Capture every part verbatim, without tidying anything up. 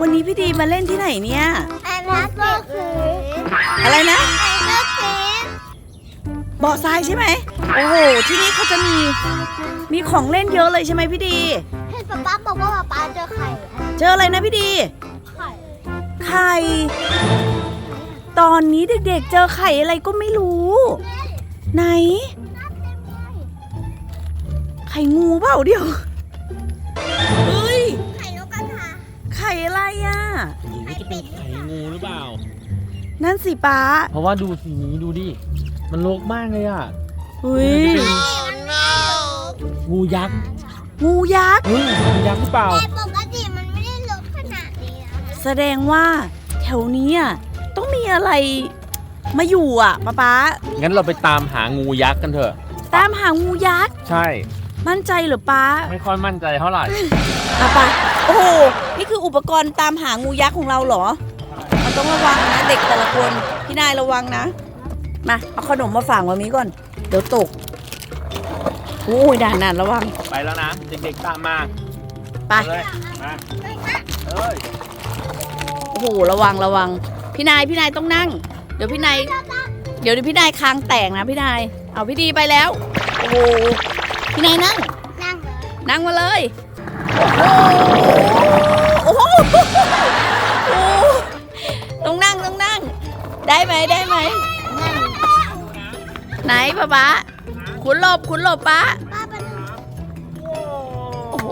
วันนี้พี่ดีมาเล่นที่ไหนเนี่ยไอ้แม่ก็คืออะไรนะไอ้แม่คือเบาะทรายใช่ไหมโอ้โหที่นี่เขาจะมีมีของเล่นเยอะเลยใช่ไหมพี่ดีเห็นป๊าป๊าบอกว่าป๊าป๊าเจอไข่เจออะไรนะพี่ดีไข่ไข่ตอนนี้เด็กๆเจอไข่อะไรก็ไม่รู้ไหนไข่งูเปล่าเดี๋ยวเฮ้ยไข่นกกระทาไข่อะไรอ่ะนี่จะเป็นไข่งูหรือเปล่านั่นสิป้าเพราะว่าดูสีนี้ดูดิมันรกมากเลยอ่ะเฮ้ยงูยักษ์งูยักษ์เฮ้ยงูยักษ์หรือเปล่าแต่ปกติมันไม่ได้รกขนาดนี้นะแสดงว่าแถวนี้อ่ะต้องมีอะไรมาอยู่อ่ะป้าป๊างั้นเราไปตามหางูยักษ์กันเถอะตามหางูยักษ์ใช่มั่นใจหรือป้าไม่ค่อยมั่นใจเท่าไหร่ป้าป้าโอ้โหนี่คืออุปกรณ์ตามหางูยักษ์ของเราเหรอมันต้องระวังนะเด็กแต่ละคนพี่นายระวังนะมาเอาขนมมาฝากวันนี้ก่อนเดี๋ยวตกโอ้ยด่านๆระวังไปแล้วนะเด็กๆตามมาไปเลยมาเอ้ยโอ้โหระวังระวังพี่นายพี่นายต้องนั่งเดี๋ยวพี่นายเดี๋ยวพี่นายคางแตกนะพี่นายเอาพี่ดีไปแล้วโอ้โหพี่นายนั่งนั่งนั่งมาเลยโอ้โหโอ้โหต้องนั่งต้องนั่งได้ไหมได้ไหมไหนป้าป๊าขุนหลบขุนหลบป้าโอ้โห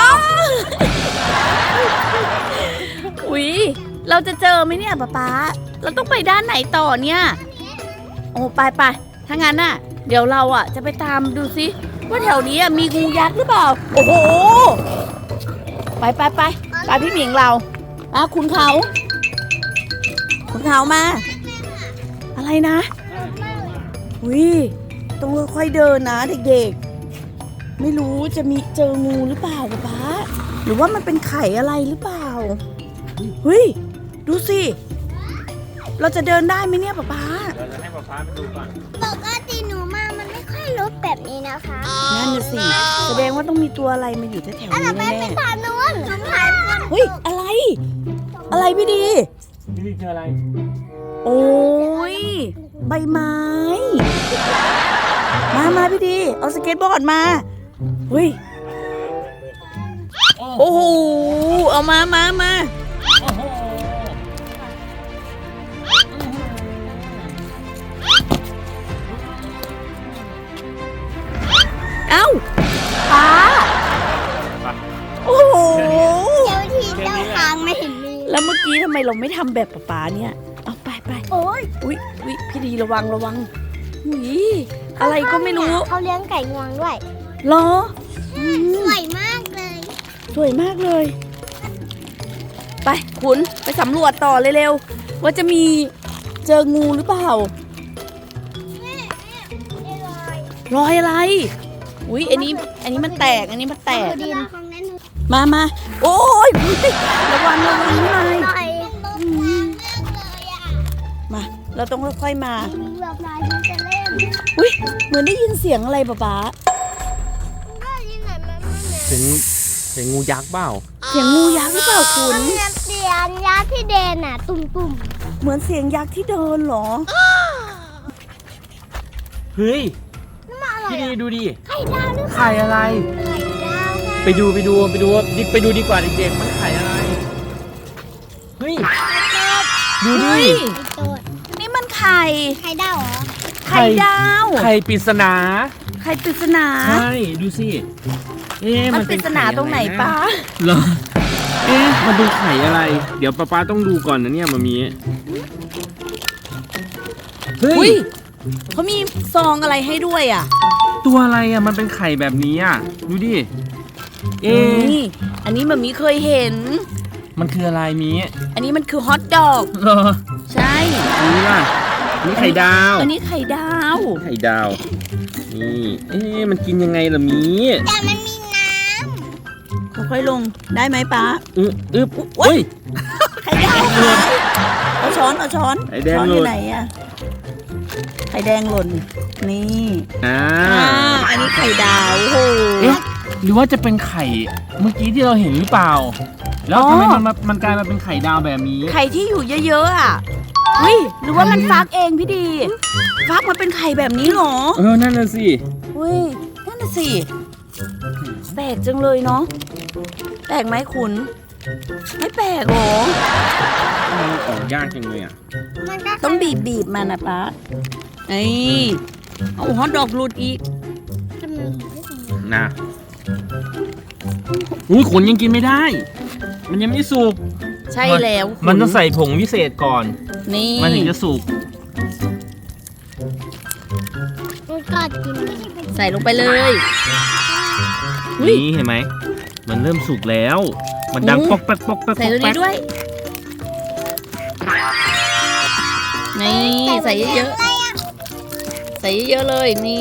อุ้ยเราจะเจอไหมเนี่ยป้าป๊าเราต้องไปด้านไหนต่อเนี่ยโอ้ไปไปถ้างั้นน่ะเดี๋ยวเราอ่ะจะไปตามดูซิว่าแถวนี้มีงูยักษ์หรือเปล่าโอ้โหไปไปไปไปพี่หมิงเราอ่ะคุณเขาคุณเขามาอะไรนะอุ้ยต้องค่อยๆเดินนะเด็กๆไม่รู้จะมีเจองูหรือเปล่าป๊าป๊าหรือว่ามันเป็นไข่อะไรหรือเปล่าเฮ้ยดูสิเราจะเดินได้ไหมเนี่ยป๊าป๊าเดี๋ยวจะให้ป๊าป๊าไปดูก่อนปกติหนูมามันไม่ค่อยรกแบบนี้นะคะนั่นน่ะสิแสดงว่าต้องมีตัวอะไรมาอยู่แถวๆนี้แน่ๆทางนู้นเฮ้ยอะไรอะไรพี่ดีพี่ดีเจออะไรโอ้ยใบไม้มามาพี่ดีเอาสเก็ตบอร์ดมาเฮ้ยโอ้โหเอามามามาเอ้าป้าโอ้โหเจ้าที่เจ้าทางไม่เห็นมีแล้วเมื่อกี้ทำไมเราไม่ทำแบบป้าเนี่ยเอาไปไปโอ้ยอุ้ยอุ้ยพี่ดีระวังระวังอุ้ยอะไรก็ไม่รู้เขาเลี้ยงไก่งวงด้วยเหรอสวยมากเลยสวยมากเลยไปคุณไปสำรวจต่อเร็วๆว่าจะมีเจองูหรือเปล่ารอยอะไรอุ้ยอันนี้อันนี้มันแตกอันนี้มันแตกมามาโอ้ยระวังระวังหน่อยมาเราต้องค่อยๆมาอุ้ยเหมือนได้ยินเสียงอะไรป๊าป๊าเสียงเสียงงูยักษ์เปล่าเสียงงูยักษ์หรือเปล่าคุณเสียงยักษ์ที่เดินน่ะตุ่มๆเหมือนเสียงยักษ์ที่เดินเหรอเฮ้ยพี่ดีดูดิไข่ดาวหรือไข่อะไรไข่ดาวไปดูไปดูไปดูดิไปดูดีกว่าเด็กๆมันไข่อะไรเฮ้ยดูดินี่มันไข่ไข่ดาวเหรอไข่ดาวไข่ปริศนาไข่ปริศนาใช่ดูสิเอ๊ะมันปริศนาตรงไหนป้าเหรอเอ๊ะมันดูไข่อะไรเดี๋ยวป้าป้าต้องดูก่อนนะเนี่ยมามีเฮ้ยเขามีซองอะไรให้ด้วยอ่ะตัวอะไรอ่ะมันเป็นไข่แบบนี้อ่ะดูดิเอ๊ะอันนี้มันมีเคยเห็นมันคืออะไรมีอันนี้มันคือฮอทดอกเหรอใช่นี่ล่ะนี่ไข่ดาวอันนี้ไข่ดาวไข่ดาวนี่เอ๊ะมันกินยังไงล่ะมีแต่มันมีน้ำค่อยๆลงได้ไหมป้าอึ๊บอึ๊บอุ้ยไข่ดาวเอาช้อนเอาช้อนช้อนอยู่ไหนอ่ะไข่แดงหล่นนี่อ่าอันนี้ไข่ดาวโอ้โหเอ๊ะหรือว่าจะเป็นไข่เมื่อกี้ที่เราเห็นหรือเปล่าแล้วทำไมมันมามันกลายมาเป็นไข่ดาวแบบนี้ไข่ที่อยู่เยอะๆอ่ะเฮ้ยหรือว่ามันฟักเองพี่ดี ฟักมาเป็นไข่แบบนี้เหรอเออนั่นน่ะสิเฮ้ยนั่นน่ะสิแปลกจังเลยเนาะแปลกไหมคุณ ไม่แปลกหรอมันออกยากจังเลยอ่ะมันก็ต้องบีบบีบๆมันนะป้าไอ้เอาฮอตดอกหลุดอีกนะอุ้ยขนยังกินไม่ได้ มันยังไม่สุกใช่แล้วมันต้องใส่ผงวิเศษก่อนนี่มันถึงจะสุกมันกัดกินใส่ลงไปเลย อุ๊ยนี่เห็นไหม มันเริ่มสุกแล้ว มันดังอืมป๊อกแป๊กป๊อกแป๊กใส่ตัวนี้ด้วย นี่ใส่เยอะๆ ใส่เยอะๆเลยนี่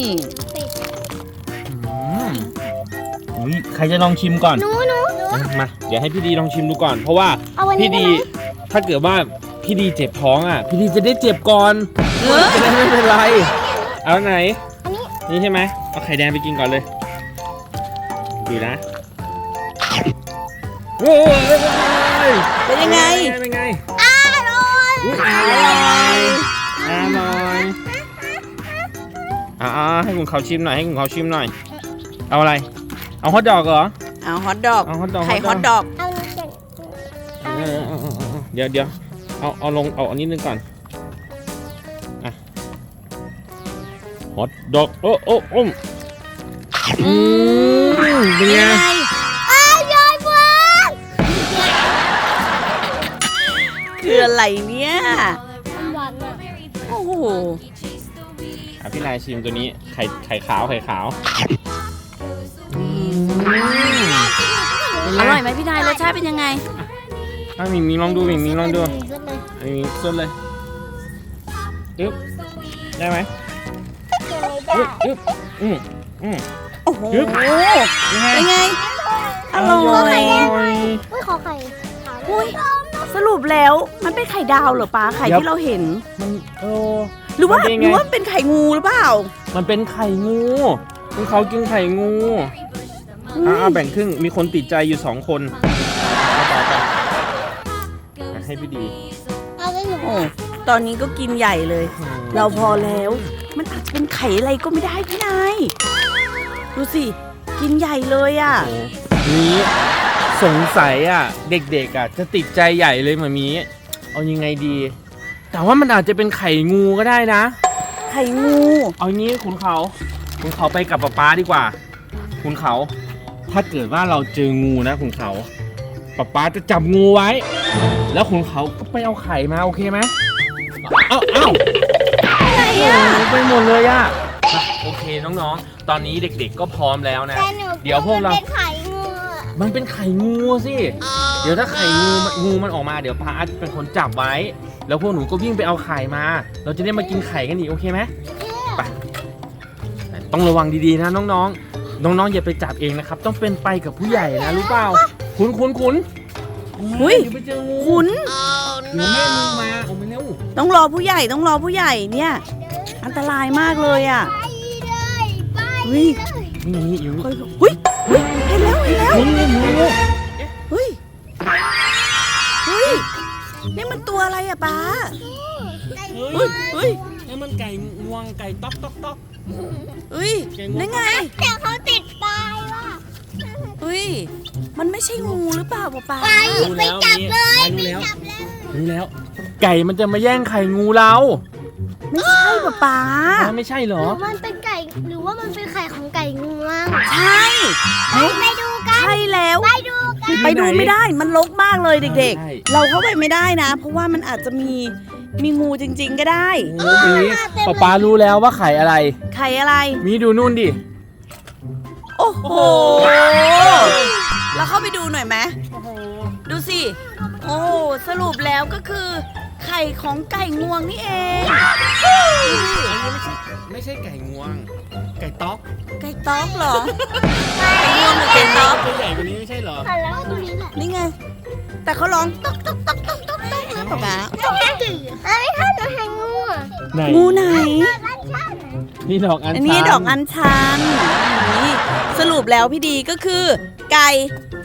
อืมอุ้ยใครจะลองชิมก่อนหนูหนูมา เดี๋ยวให้พี่ดีลองชิมดูก่อน เพราะว่าเอาวันนี้พี่ดีได้ไหมถ้าเกิดว่าพี่ดีเจ็บท้องอ่ะ พี่ดีจะได้เจ็บก่อนเออจะได้ไม่เป็นไร เอาไหนอันนี้นี่ใช่ไหม เอาไข่แดงไปกินก่อนเลย ดูนะโอ้ยเป็นยังไงเป็นไงอร่อยอุ๊ยอร่อยอร่อยอ่าให้คุณเขาชิมหน่อย ให้คุณเขาชิมหน่อย เอาอะไร เอาฮอทดอกเหรอเอาฮอตดอกเอาฮอทดอกไข่ฮอตดอกเอาน้ำแข็งเออเออเออเออเดี๋ยวเดี๋ยวเอาเอาลงเอาอันนี้นึงก่อนอ่ะฮอทดอกโอ้โอ้โอ้มอืมเป็นไงอร่อยมากคืออะไรเนี่ยมันหวานมากโอ้โหอ่ะพี่นายชิมตัวนี้ไข่ไข่ขาวไข่ขาวอร่อยไหมพี่นายรสชาติเป็นยังไงอ่ะมิงมิงลองดูมิงมิงลองดูสุดเลยอันนี้ส้นเลยอึ๊บได้ไหมเกินเลยอึ๊บได้อึ๊บอืมอืมโอ้โหยึบเป็นไง อร่อยอุ้ยขอไข่ขาวอุ้ยสรุปแล้วมันเป็นไข่ดาวเหรอป้าไข่ที่เราเห็นมันโอ้หรือว่ามันเป็นหไงรือว่าเป็นไข่งูหรือเปล่ามันเป็นไข่งูคุณเขากินไข่งูอุ๊ยอ่ะเอาแบ่งครึ่งมีคนติดใจอยู่สองคนเอาไปไปอ่ะให้พี่ดีเอาไว้หนูโอ้ตอนนี้ก็กินใหญ่เลย เราพอแล้ว มันอาจจะเป็นไข่อะไรก็ไม่ได้พี่นาย ดูสิ กินใหญ่เลยอ่ะโอ้นี้สงสัยอ่ะ เด็กๆอ่ะจะติดใจใหญ่เลยหมามีเอายังไงดี แต่ว่ามันอาจจะเป็นไข่งูก็ได้นะไข่งูเอางี้คุณเขาคุณเขาไปกับป๊าป๊าดีกว่า คุณเขา ถ้าเกิดว่าเราเจองูนะคุณเขาป๊าป๊าจะจับงูไว้ แล้วคุณเขาก็ไปเอาไข่มาโอเคไหมเอ้าเอ้าอะไรอ่ะโอ้ไปหมดเลยอ่ะอ่ะโอเคน้องๆ ตอนนี้เด็กๆก็พร้อมแล้วนะแต่หนูเดี๋ยวพวกเราเป็นไข่งูอะมันเป็นไข่งูสิ เดี๋ยวถ้าไข่งูมันงูมันออกมาเดี๋ยวป้าอาจเป็นคนจับไว้ แล้วพวกหนูก็วิ่งไปเอาไข่มา เราจะได้มากินไข่กันอีกโอเคไหมไปต้องระวังดีๆนะน้องๆ น้องๆอย่าไปจับเองนะครับ ต้องเป็นไปกับผู้ใหญ่นะรู้เปล่า คุณคุณคุณอุ๊ยเดี๋ยวไปเจองูขุนเดี๋ยวแม่งูมาเอาไปเร็วต้องรอผู้ใหญ่ต้องรอผู้ใหญ่เนี่ย อันตรายมากเลยอ่ะไปเลยไปเฮ้ยนี่นี่อยู่เฮ้ยเฮ้ยเฮ้ยเห็นแล้วเห็นแล้วนี่นี่งูเฮ้ย เฮ้ย นี่มันตัวอะไรอะป้าเฮ้เฮ้ยย เฮ้ยนี่มันไก่งวงไก่ต๊อกต๊อกต๊อกเฮ้ยนั่นไงแต่เขาติดปลายว่ะเฮ้ย มันไม่ใช่งูหรือเปล่าป้าป้าไปไปจับเลยรู้แล้วจับเลยรู้แล้ว ไก่มันจะมาแย่งไข่งูเราไม่ใช่ป้าป้าไม่ใช่เหรหอรือมันเป็นไก่หรือว่ามันเป็นไข่ของไก่งวงใช่ไปไปดูกันใช่แล้วไปดูกันไปดูไม่ได้ มันรกมากเลยเด็กใช่ๆ เราเข้าไปไม่ได้นะ เพราะว่ามันอาจจะมีมีงูจริง ๆ ก็ได้โอ้โหป๊าป๊ารู้แล้วว่าไข่อะไรไข่อะไรมีดูนู่นดิโอ้โห เราเข้าไปดูหน่อยไหม ดูสิ โอ้สรุปแล้วก็คือ ไข่ของไก่งวงนี่เองอันนี้ไม่ใช่ไม่ใช่ไก่งวง ไก่ต๊อกไก่ต๊อกเหรอ ไก่งวงหรือไก่ต๊อกตัวใหญ่กว่านี้ไม่ใช่เหรอแล้วตรงนี้แหละนี่ไง แต่เขาร้องต๊อกต๊อกต๊อกต๊อกต๊อกต๊อกนะป๊าป๊าเอ้ยถ้าจะให้งูอ่ะไหนงูไหนบ้านชาตินี่ดอกอัญชันอันนี้ดอกอัญชันนี่สรุปแล้วพี่ดีก็คือ ไก่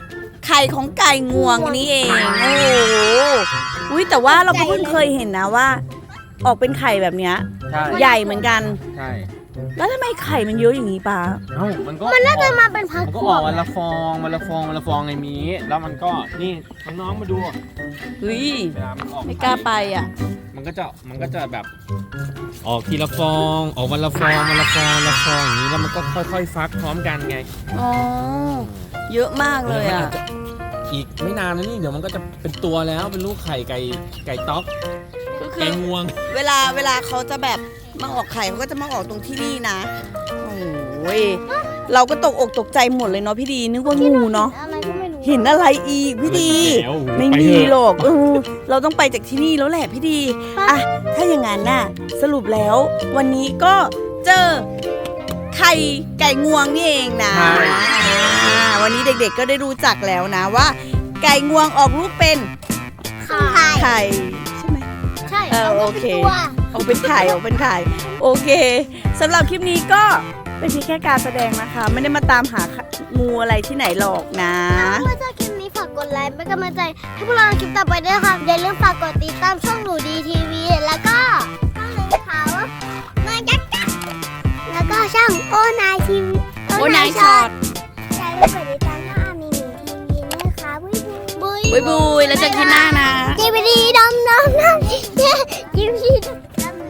ไข่ของไก่งวงนี่เองโอ้โหอุ้ยแต่ว่าเราก็เพิ่งเคยเห็นนะว่า ออกเป็นไข่แบบเนี้ยใช่ใหญ่เหมือนกันใช่แล้วทำไมไข่มันเยอะอย่างนี้ป้าเอ้ามันก็มันน่าจะมาเป็นพักมันพก็วออก กวันละฟองวันละฟองวันละฟองไงมีแล้วมันก็นี่น้องๆมาดูเฮ้ยเวลามันออกไม่กล้าไปอ่ะมันก็จะมันก็จะแบบ ออกทีละฟองออกวันละฟองวันละฟองวันละฟองอย่างนี้แล้วมันก็ค่อยๆฟักพร้อมกันไงอ๋อ เยอะมากเลยมันอ่ะอาจจะอีกไม่นานนะนี่เดี๋ยวมันก็จะเป็นตัวแล้วเป็นลูกไข่ไก่ไก่ต๊อกก็คืไก่องวงเวลาเวลาเขาจะแบบมาออกไข่เขาก็จะมาออกตรงที่นี่นะ โอ้ย เราก็ตกอกตกใจหมดเลยเนาะพี่ดี นึกว่างูเนาะอะไรก็ไม่รู้เห็นอะไรอีกพี่ดีแล้วไม่ไปมีเถอะหรอกเออเราต้องไปจากที่นี่แล้วแหละพี่ดี อ่ะ ถ้าอย่างนั้นน่ะ สรุปแล้ว วันนี้ก็เจอไข่ไก่งวงนี่เองนะอ่าวันนี้เด็กๆก็ได้รู้จักแล้วนะว่า ไก่งวงออกลูกเป็นไข่ไข่ใช่ไหมใช่เออโอเคตัวออกเป็นไข่ออกเป็นไข่โอเคสำหรับคลิปนี้ก็เป็นเพียงแค่การแสดงนะคะ ไม่ได้มาตามหางูอะไรที่ไหนหรอกนะถ้าชอบคลิปนี้ฝากกดไลค์เป็นกำลังใจให้พวกเราในคลิปต่อไปด้วยนะครับอย่าลืมฝากกดติดตามช่องหนูดีทีวีแล้วก็ช่องเลยเขานายยักษ์จักรแล้วก็ช่องโอนายทีวีโอนายช็อตอย่าลืมกดติดตามช่องอามีหมีทีวีนะคะบุยบุยบุยบุยแล้วเจอกันหน้านะจีบีดีดำดำดำจีบีดีดำ